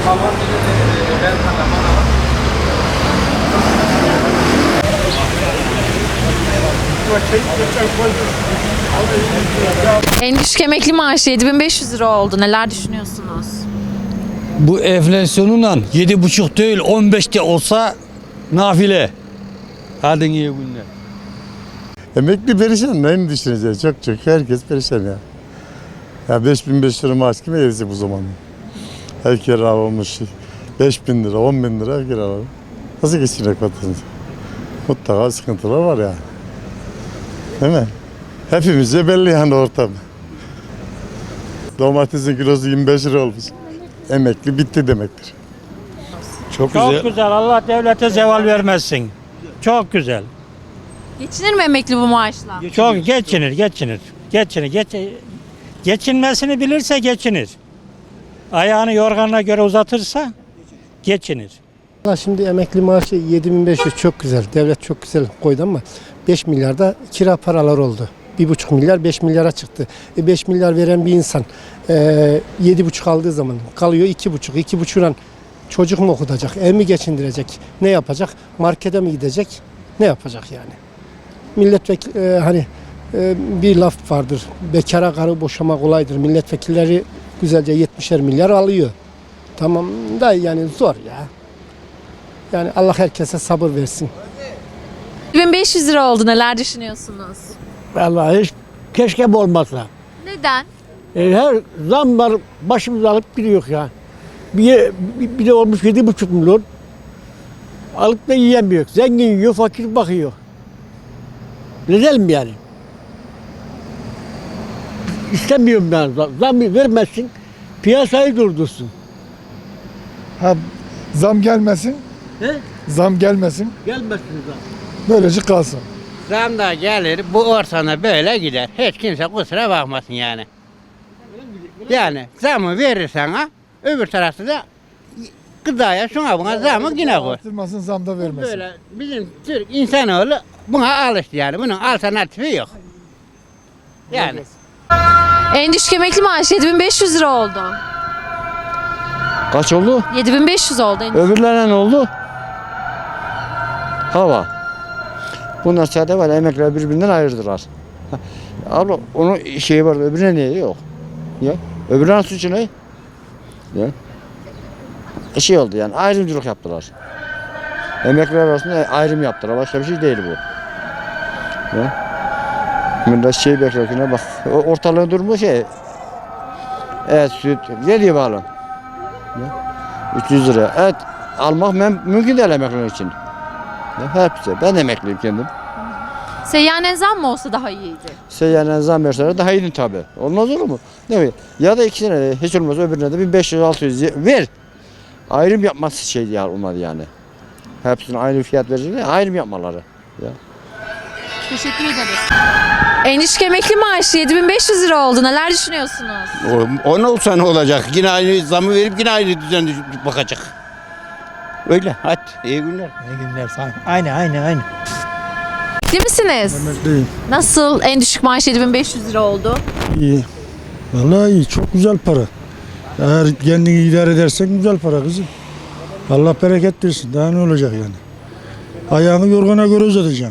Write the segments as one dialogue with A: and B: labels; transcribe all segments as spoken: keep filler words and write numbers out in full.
A: En düşük emekli maaşı yedi bin beş yüz lira oldu. Neler düşünüyorsunuz?
B: Bu enflasyonunla yedi buçuk değil on beşte olsa nafile. Hadi iyi günler.
C: Emekli perişan, neyini düşüneceğiz? Çok çok herkes perişan ya. Ya beş bin beş yüz lira maaş kime yedisi bu zaman? Her kira olmuş beş bin lira, on bin lira her kira var. Nasıl geçinecek vatandaş? Mutlaka sıkıntılar var yani. Değil mi? Hepimizce belli yani ortam. Domatesin kilosu yirmi beş lira olmuş. Emekli bitti demektir.
B: Çok,
D: Çok
B: güzel.
D: güzel. Allah devlete zeval vermezsin. Çok güzel.
A: Geçinir mi emekli bu maaşla?
D: Çok geçinir, geçinir. Geçinir. Geç, geçinmesini bilirse geçinir. Ayağını yorganına göre uzatırsa geçinir.
E: Valla şimdi emekli maaşı yedi bin beş yüz çok güzel. Devlet çok güzel koydu ama beş milyarda kira paralar oldu. bir buçuk milyar beş milyara çıktı. E beş milyar veren bir insan e, yedi buçuk aldığı zaman kalıyor iki buçuk. iki buçukla çocuk mu okutacak, ev mi geçindirecek, ne yapacak, markete mi gidecek, ne yapacak yani? Milletvekili e, hani e, bir laf vardır, bekara karı boşamak kolaydır. Milletvekilleri güzelce yetmişer milyar alıyor. Tamam da yani zor ya. Yani Allah herkese sabır versin.
A: yedi bin beş yüz lira oldu. Neler düşünüyorsunuz?
F: Vallahi hiç keşke bu olmasa.
A: Neden?
F: E, her zam var başımıza alıp gidiyor ya. Bir, bir, bir de olmuş yedi buçuk milyon. Alıp da yiyemiyor. Zengin yiyor, fakir bakıyor. Neden mi yani? İstemiyorum ben. Zam vermezsin, piyasayı durdursun.
G: Ha, zam gelmesin.
F: He?
G: Zam gelmesin.
F: Gelmesin zam.
G: Böylece kalsın.
H: Zam da gelir, bu ortamda böyle gider. Hiç kimse kusura bakmasın yani. Yani zamı verirsen ha, öbür tarafta da gıdaya şuna buna zamı yine koy.
G: Arttırmasın, zam da vermesin.
H: Böyle bizim Türk insanoğlu buna alıştı yani. Bunun alternatifi yok. Yani.
A: En düşük emekli maaşı yedi bin beş yüz lira oldu.
B: Kaç oldu?
A: yedi bin beş yüz oldu. En düşük.
B: Öbürlerine ne oldu? Hava. Bunlar sadece var emekler birbirinden ayırdılar. Abla onun şeyi var öbürüne niye yok? Ya öbürünün suçu ne? Ya. E şey oldu yani ayrımcılık yaptılar. Emekliler arasında ayrım yaptılar. Başka bir şey değil bu. Ya. Millet şey beklerken bak ortalığın durumu şey. Evet süt ne diye bağlı? Ya. üç yüz lira. Evet almak mümkün değil emekliler için. Ya, hepsi. Ben emekliyim kendim.
A: Seyyanen zam mı olsa daha iyiydi?
B: Seyyanen zam verseler daha iyiydi tabi. Olmaz olur mu? Ne mi? Ya da ikisine de hiç olmaz öbürüne de bin beş yüz altı yüz ver. Ayrım yapması şey ya olmadı yani. Hepsine aynı fiyat verecekler, ayrım yapmaları. Ya.
A: Teşekkür ederiz. En düşük emekli maaşı yedi bin beş yüz lira oldu. Neler düşünüyorsunuz?
I: O, o ne olsa ne olacak? Yine aynı zamı verip yine aynı düzen bakacak. Öyle. Hadi iyi günler.
D: İyi günler sağ olun. Aynı, aynı, aynı.
A: Değil misiniz?
G: Emekliyim.
A: Nasıl en düşük maaş yedi bin beş yüz lira oldu?
G: İyi. Vallahi iyi. Çok güzel para. Eğer kendini idare edersen güzel para kızım. Allah bereket versin. Daha ne olacak yani? Ayağını yorgana göre uzatacaksın.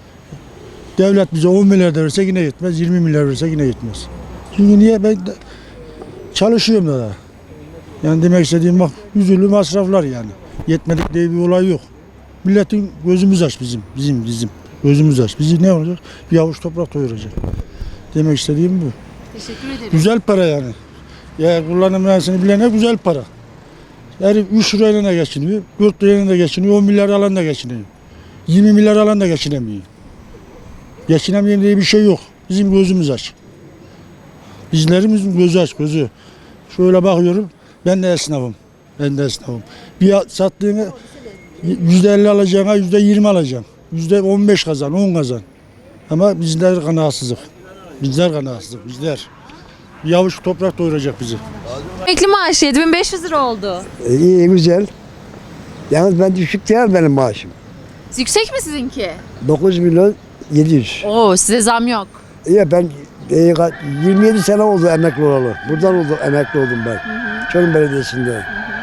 G: Devlet bize on milyar da verse yine yetmez. yirmi milyar verse yine yetmez. Çünkü niye? Ben de çalışıyorum da daha. Yani demek istediğim bak yüzülü masraflar yani. Yetmedik diye bir olay yok. Milletin gözümüz aç bizim. Bizim bizim. Gözümüz aç. Bizi ne olacak? Bir avuç toprak doyuracak. Demek istediğim bu.
A: Teşekkür ederim.
G: Güzel para yani. Ya kullanım mühendisliğini bilene güzel para. Yani üç lirayla da geçiniyor, dört lirayla da geçiniyor, on milyar alan da geçiniyor. yirmi milyar alan da geçinemiyor. Geçinemeyen diye bir şey yok. Bizim gözümüz aç. Bizlerimizin gözü aç, gözü. Şöyle bakıyorum, ben de esnafım. Ben de esnafım. Bir sattığını yüzde elli alacağına yüzde yirmi alacaksın. Yüzde on beş kazan, on kazan. Ama bizler kanaatsızlık. Bizler kanaatsızlık, bizler. Bir avuç toprak doyuracak bizi.
A: Emekli maaşı yedi bin beş yüz lira oldu.
J: İyi güzel. Yalnız ben düşük değil benim maaşım.
A: Yüksek mi sizinki?
J: dokuz milyon yedi yüz.
A: Oo, size zam yok.
J: İyi ben e, yirmi yedi sene oldu emekli olalı. Buradan oldu, emekli oldum ben. Çorum Belediyesi'nde.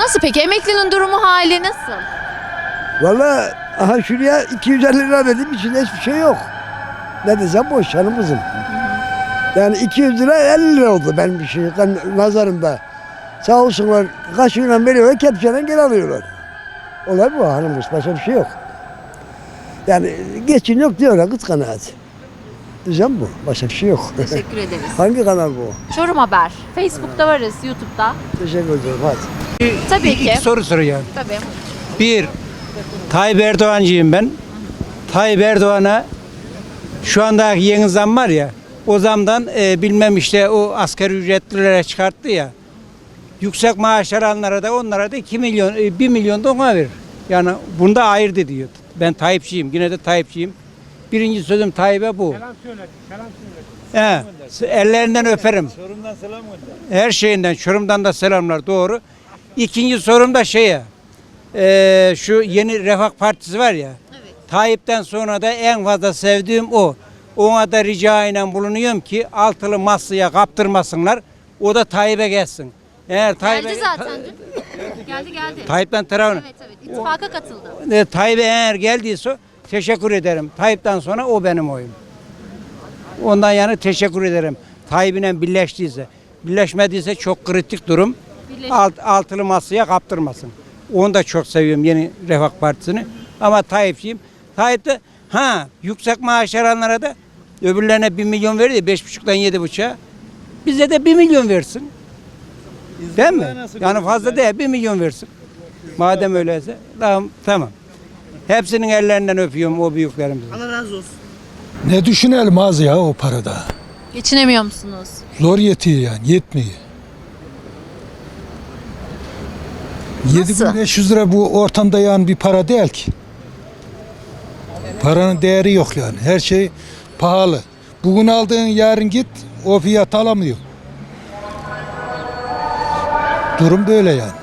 A: Nasıl peki? Emeklinin durumu hali nasıl?
J: Valla aha şuraya iki yüz elli lira verdim, içinde hiçbir şey yok. Ne desem boş canım kızım. Yani iki yüz lira elli lira oldu benim bir şey nazarımda. Sağ olsunlar kaşığıyla veriyorlar, kepçeyle geri alıyorlar. Olay bu hanım kız, başka bir şey yok. Yani geçin yok diyorlar, kız kanaat. Diyeceğim bu, başka bir şey yok.
A: Teşekkür ederiz.
J: Hangi kanal bu?
A: Çorum Haber. Facebook'ta varız, YouTube'da.
J: Teşekkür ederim, hadi.
A: Tabii ki.
K: İki soru soruyorum.
A: Tabii.
K: Bir, Tayyip Erdoğancıyım ben. Tayyip Erdoğan'a şu anda yeni zam var ya, o zamdan e, bilmem işte o asgari ücretlilere çıkarttı ya. Yüksek maaş alanlara da onlara da iki milyon, e, bir milyon da ona verir. Yani bunda ayırdı diyor. Ben Tayyipçiyim, yine de Tayyipçiyim. Birinci sözüm Tayyip'e bu. Selam söyle, selam söyle. He, ellerinden öperim. Çorum'dan selam gönder. Her şeyinden, Çorum'dan da selamlar, doğru. İkinci sorum da şeye, e, şu yeni Refah Partisi var ya, evet. Tayyip'ten sonra da en fazla sevdiğim o. Ona da rica ile bulunuyorum ki altılı masaya kaptırmasınlar, o da Tayyip'e gelsin. Eğer
A: Geldi zaten dün. Geldi geldi.
K: Tayyip'ten tarafını.
A: Evet evet. İttifaka katıldı.
K: E, Tayyip'e eğer geldiyse teşekkür ederim. Tayyip'ten sonra o benim oyum. Ondan yani teşekkür ederim. Tayyip'le birleştiyse. Birleşmediyse çok kritik durum. Alt, altılı masaya kaptırmasın. Onu da çok seviyorum, yeni Refah Partisi'ni. Ama Tayyip'ciyim. Tayyip de ha yüksek maaş alanlara da öbürlerine bir milyon verdi. Beş buçuktan yedi buçuğa. Bize de bir milyon versin. Değil mi? Yani fazla değil, bir milyon versin. Madem öyleyse tamam, tamam. Hepsinin ellerinden öpüyorum o büyüklerimizin.
G: Allah razı olsun.
L: Ne düşünelim az ya o parada.
A: Geçinemiyor musunuz?
L: Zor yetiyor yani, yetmiyor. yedi bin beş yüz lira bu ortamda yani bir para değil ki. Paranın değeri yok yani. Her şey pahalı. Bugün aldığın yarın git o fiyat alamıyor. Durum böyle yani.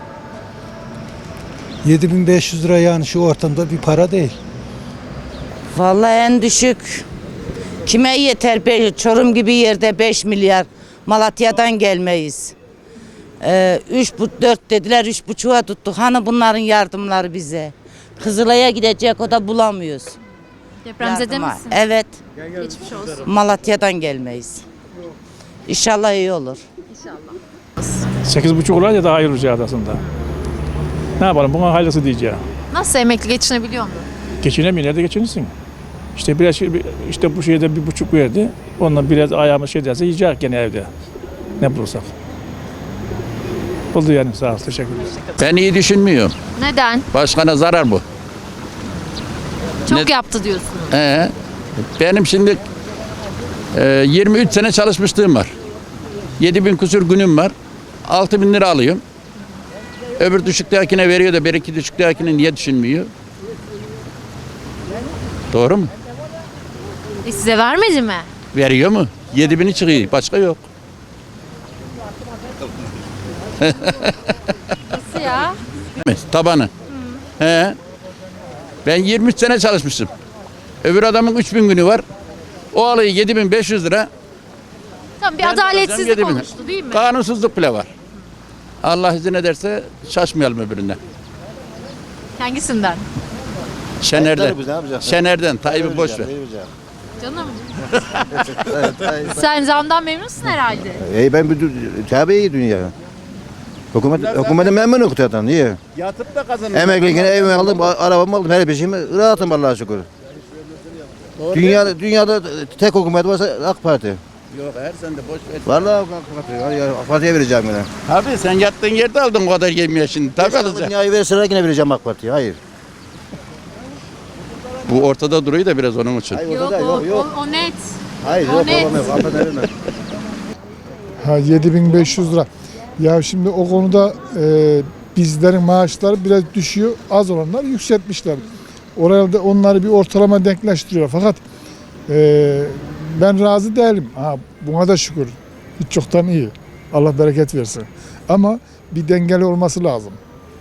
L: yedi bin beş yüz lira yani şu ortamda bir para değil.
M: Vallahi en düşük. Kime yeter? Be- Çorum gibi yerde beş milyar. Malatya'dan gelmeyiz. Ee, üç bu dört dediler, üç buçuğa tuttuk. Hani bunların yardımları bize. Kızılay'a gidecek, o da bulamıyoruz.
A: Depremzede
M: Yardıma.
A: misin?
M: Evet.
A: Geçmiş olsun.
M: Malatya'dan gelmeyiz. İnşallah iyi olur.
A: İnşallah.
N: sekiz buçuk olunca daha iyi olacak aslında. Ne yapalım, buna hayırlısı diyeceğim.
A: Nasıl emekli geçinebiliyor mu?
N: Geçinemiyor, nerede geçinirsin? İşte biraz şey- işte bu şeyde bir buçuk verdi. Ondan biraz ayağımız şey derse yiyecek gene evde. Ne bulursak. Oldu yani, sağ ol, teşekkür ederim.
I: Ben iyi düşünmüyorum.
A: Neden?
I: Başkana zarar bu.
A: Çok
I: Ne-
A: yaptı diyorsunuz.
I: Ee, benim şimdi e, yirmi üç sene çalışmışlığım var. yedi bin kusur günüm var. altı bin lira alıyorum. Öbür düşüktekine veriyor da bir iki düşüktekine niye düşünmüyor? Doğru mu?
A: E size vermedi mi?
I: Veriyor mu? yedi bini çıkıyor. Başka yok.
A: Nasıl ya?
I: Tabanı. He. Ben yirmi üç sene çalışmışım. Öbür adamın üç bin günü var. O alıyor yedi bin beş yüz lira.
A: Tamam, bir
I: Ben de alacağım
A: adaletsizlik
I: yedi bin.
A: oluştu değil mi?
I: Kanunsuzluk bile var. Allah izin ederse şaşmayalım öbüründen.
A: Hangisinden?
I: Şener'den. Şener'den. Tayyip'i boş ver.
A: Canım. Sen zamdan memnunsun herhalde.
B: Ey ben bir tabii iyi dünya. Hükümet, hükümetin memnun okutan iyi.
I: Yatıp da kazanır.
B: Emekliyken evimi aldım, arabamı aldım, her peşimi rahatım Allah'a şükür. Dünya, dünyada tek hükümet varsa AK Parti.
I: Yok her sen de boş ver.
B: Vallahi AK Parti, ya, AK Parti'ye vereceğim yine.
I: Abi sen yattığın yerde aldın o kadar yemiyor şimdi. Tabii alacaksın.
B: Dünyayı verseler yine vereceğim AK Parti'ye, hayır.
I: Bu ortada duruyor da biraz onun için.
B: Hayır,
A: Yok,
B: orada da
A: o,
B: yok, yok.
A: O, o net.
B: Hayır,
A: o
B: yok,
A: net.
B: olamaz, AK Parti'ye vermem.
L: Ha yedi bin beş yüz lira. Ya şimdi o konuda e, bizlerin maaşları biraz düşüyor. Az olanlar yükseltmişler. Orada da onları bir ortalama denkleştiriyor. Fakat e, ben razı değilim. Ha, buna da şükür. Hiç çoktan iyi. Allah bereket versin. Ama bir dengeli olması lazım.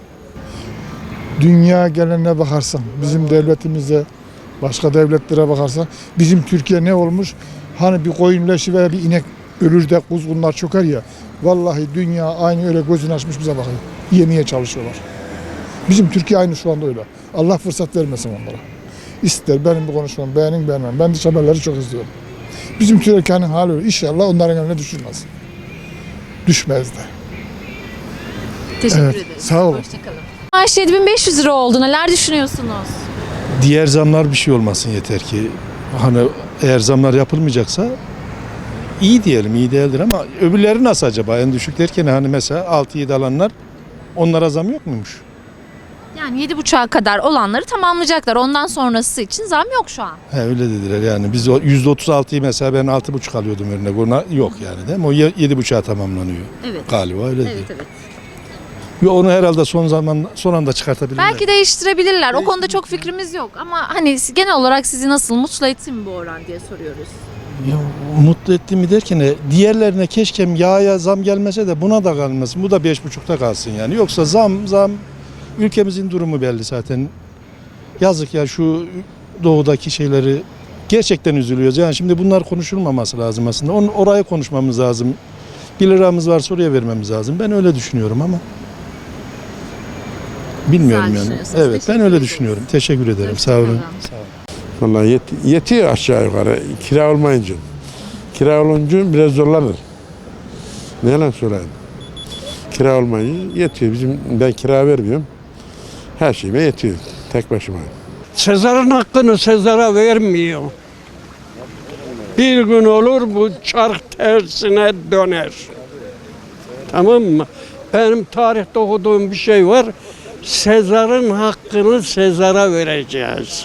L: Dünya gelenine bakarsan, bizim devletimize, başka devletlere bakarsan, bizim Türkiye ne olmuş? Hani bir koyun leşi veya bir inek ölür de kuzgunlar çöker ya. Vallahi dünya aynı öyle gözünü açmış bize bakıyor. Yemeye çalışıyorlar. Bizim Türkiye aynı şu anda öyle. Allah fırsat vermesin onlara. İster benim bu konuşmamı beğenin beğenmem. Ben dış haberleri çok izliyorum. Bizim Türkiye'nin hali öyle. İnşallah onların eline düşürmez. Düşmez de.
A: Teşekkür
L: Evet,
A: ederiz.
L: sağ olun.
A: Hoşçakalın. Maaş yedi bin beş yüz lira oldu. Neler düşünüyorsunuz?
G: Diğer zamlar bir şey olmasın yeter ki. Hani eğer zamlar yapılmayacaksa iyi diyelim, iyi değildir ama öbürleri nasıl acaba? En düşük derken hani mesela altı yedi alanlar, onlara zam yok muymuş?
A: Yani yedi buçuğa kadar olanları tamamlayacaklar. Ondan sonrası için zam yok şu an.
G: He öyle dediler yani biz o yüzde otuz altıyı mesela ben altı buçuk alıyordum örnek, ona yok yani değil mi? O yedi buçuğa tamamlanıyor
A: Evet.
G: galiba öyle değil.
A: Evet evet.
G: Yo, onu herhalde son zaman son anda çıkartabilirler.
A: Belki değiştirebilirler. O konuda çok fikrimiz yok. Ama hani genel olarak sizi nasıl mutlu etti mi bu oran diye soruyoruz.
G: Ya, mutlu etti mi derken e, diğerlerine keşke yağa zam gelmese de buna da kalmasın. Bu da beş buçukta kalsın yani. Yoksa zam zam ülkemizin durumu belli zaten. Yazık ya şu doğudaki şeyleri gerçekten üzülüyoruz. Yani şimdi bunlar konuşulmaması lazım aslında. Onu, orayı konuşmamız lazım. Bir liramız varsa oraya vermemiz lazım. Ben öyle düşünüyorum ama. Bilmiyorum
A: Güzel
G: yani.
A: düşünüyorsunuz.
G: Evet ben
A: Teşekkür
G: öyle
A: ederim.
G: düşünüyorum. Teşekkür ederim. Sağ olun. Sağ olun.
C: Vallahi yet, yetiyor aşağı yukarı. Kira olmayınca. Kira olunca biraz zorlanır. Ne yalan söyleyeyim. Kira olmayınca yetiyor. Bizim, ben kira vermiyorum. Her şeyime yetiyor. Tek başıma.
F: Sezar'ın hakkını Sezar'a vermiyor. Bir gün olur bu çark tersine döner. Tamam mı? Benim tarihte okuduğum bir şey var. Sezar'ın hakkını Sezar'a vereceğiz.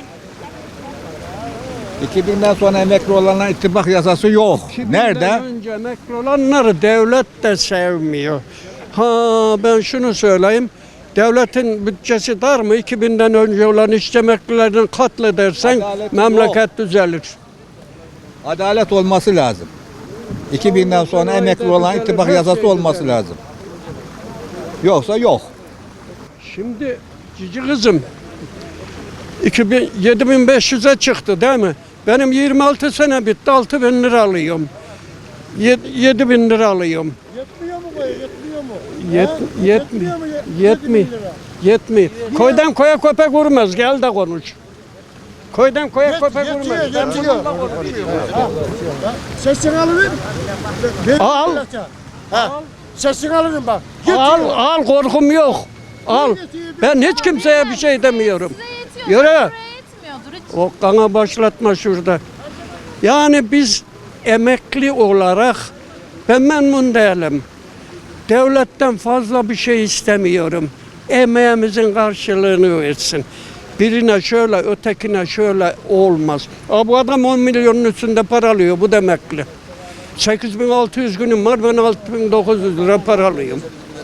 I: iki binden sonra emekli olanlar ittifak yasası yok. Nerede?
F: Önce emekli olanları devlet de sevmiyor. Ha ben şunu söyleyeyim. Devletin bütçesi dar mı? iki binden önce olan işçi emeklilerini katledersen
I: Adalet
F: memleket
I: yok.
F: düzelir.
I: Adalet olması lazım. iki binden sonra emekli olan ittifak yasası olması lazım. Yoksa yok.
F: Şimdi cici kızım iki bin, yedi bin beş yüze çıktı değil mi? Benim yirmi altı sene bitti, altı bin lira alıyorum. yedi bin lira alıyorum.
E: Yetmiyor mu bu? Yetmiyor mu?
F: Yet, yetmiyor. Yetmiyor. Yetmiyor. Koydan koya köpek vurmaz. Gel de konuş. Koydan koya köpek vurmaz. Ben bununla konuşuyorum.
E: Sesini alın.
F: Al.
E: Ha. Sesini alın bak.
F: Al, al korkum yok. Al. Ben hiç kimseye bir şey demiyorum. Yürü. O kana başlatma şurada. Yani biz emekli olarak ben memnun değilim. Devletten fazla bir şey istemiyorum. Emeğimizin karşılığını versin. Birine şöyle, ötekine şöyle olmaz. Aa, bu adam on milyonun üstünde para alıyor, bu da emekli. sekiz bin altı yüz günüm var, ben altı bin dokuz yüz lira para alıyorum.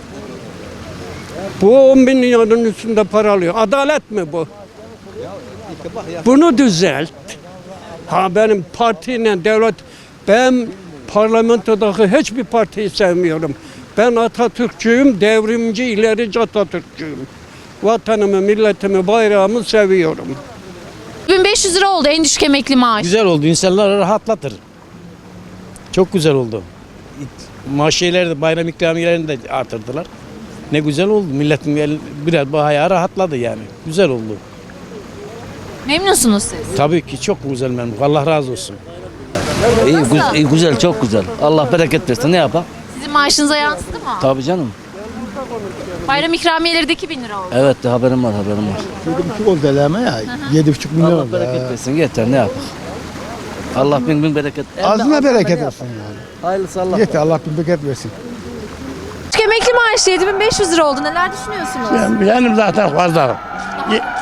F: Bu on bin milyonun üstünde para alıyor. Adalet mi bu? Bunu düzelt. Ha benim partiyle devlet, ben parlamentodaki hiçbir partiyi sevmiyorum. Ben Atatürkçüyüm, devrimci, ilerici Atatürkçüyüm. Vatanımı, milletimi, bayrağımı seviyorum.
A: bin beş yüz lira oldu en düşük emekli maaş.
K: Güzel oldu. İnsanları rahatlatır. Çok güzel oldu. Maaşları da bayram ikramiyelerini de artırdılar. Ne güzel oldu. Milletin biraz bayağı rahatladı yani. Güzel oldu.
A: Memnunsunuz siz.
K: Tabii ki çok güzel memnun. Allah razı olsun.
A: İyi, güzel, iyi,
K: güzel, çok güzel. Allah bereket versin. Ne yapalım?
A: Sizin maaşınıza yansıdı mı?
K: Tabii canım.
A: Bayram ikramiyeleri de iki bin lira oldu.
K: Evet, haberim var, haberim var.
E: yedi buçuk oldu ama ya. yedi buçuk milyon
K: Allah
E: oldu.
K: bereket versin. Yeter, ne yapalım? Allah bin bin bereket.
E: Ağzına bereket olsun yani.
K: Hayırlısı Allah.
E: Yeter Allah bin bereket versin.
A: Düşük emekli maaşı yedi bin beş yüz lira oldu. Neler düşünüyorsunuz?
F: Benim zaten fazla.